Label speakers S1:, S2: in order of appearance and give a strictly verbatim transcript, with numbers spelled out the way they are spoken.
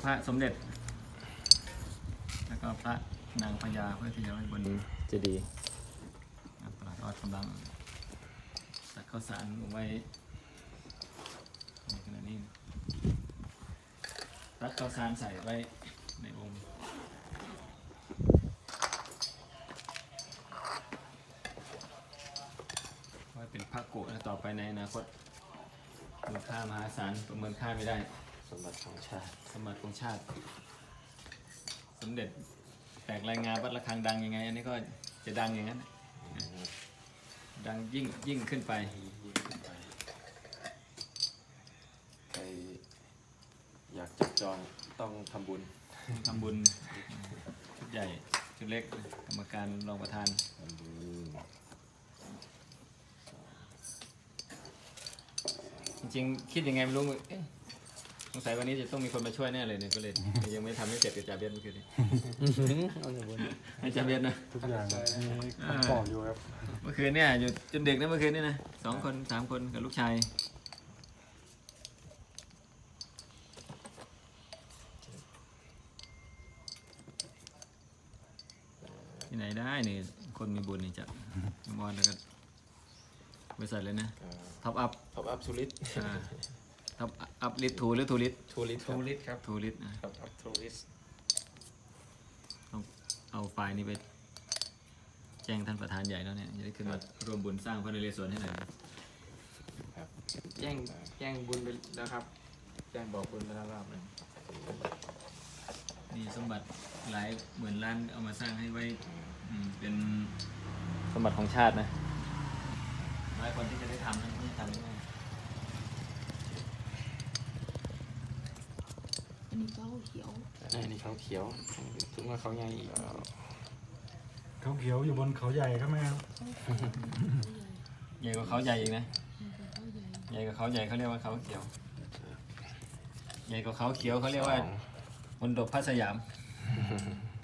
S1: พระสมเด็จแล้วก็พระนางพญาเพื่อที่จะไว้บนเจดีย์ตลาดออดกำลังตักข้าวสารไว้ในขณะนี้ตักข้าวสารใส่ไว้ในองค์ไว้เป็นพระกุนะต่อไปในอนาคตมูลค่ามหาศาลประเมินค่าไม่ได้
S2: สมบัติของชาติ
S1: สมบัติของชาติสมเด็จแตกรายงานวัดระฆังดังยังไงอันนี้ก็จะดังอย่างนั้นดังยิ่งยิ่งขึ้นไป
S2: ใครอยากจับจองต้องทำบุญ
S1: ทำบุญชุดใหญ่ชุดเล็กกรรมการรองประธาน
S2: ทำบุญ
S1: จริงๆคิดยังไงไม่รู้เอ๊ะสงสัยวันนี้จะต้องมีคนมาช่วยแน่เลยเนี่ยก็เลยยังไม่ทำให้เสร็จกับจ่าเบียนเมื่อคืนนี้ให้จ่าเบียนนะ
S3: ทุกอย่างมีคำตอบอยู่ครับ
S1: เมื่อคืนเนี่ยอยู่จนดึกนะเมื่อคืนนี่นะสองคนสามคนกับลูกชายที่ไหนได้เนี่ยคนมีบุญนี่จะมอนแล้วก็บริษัทเลยนะท็อปอัพ
S2: ท็อปอัพทูริส
S1: ท็อปอัพลิททูหรือทูลิท
S2: ทูริสทูริสครับ
S1: ทูลิทนะ
S2: ท็อปอัพทูริส
S1: ต้องเอาไฟล์นี้ไปแจ้งท่านประธานใหญ่แล้วเนี่ยจะได้ขึ้นมาร่วมบุญสร้างพระนเรศวรให้หน่อย
S2: ครับ
S4: แจ้งแจ้งบุญไปแล้วครับแจ้งบอกบุญไปแล้วรอบนึง
S1: นี่สมบัติหลายหมื่นล้านเอามาสร้างให้ไว้เป็นสมบัติของชาตินะหลายคนที่จะได้ทำนั้นไม่ทำได้
S5: อันนี้เขาเขียว
S2: อันนี้เขาเขียวถึงว่าเขาใหญ่อีก
S3: เขาเขียวอยู่บนเขาใหญ่ครับแม่ครับ
S1: ใหญ่กว่าเขาใหญ่อีกนะใหญ่กว่าเขาใหญ่เขาเรียกว่าเขาเขียวใหญ่กว่าเขาเขียวเขาเรียกว่ามณฑปพระสยาม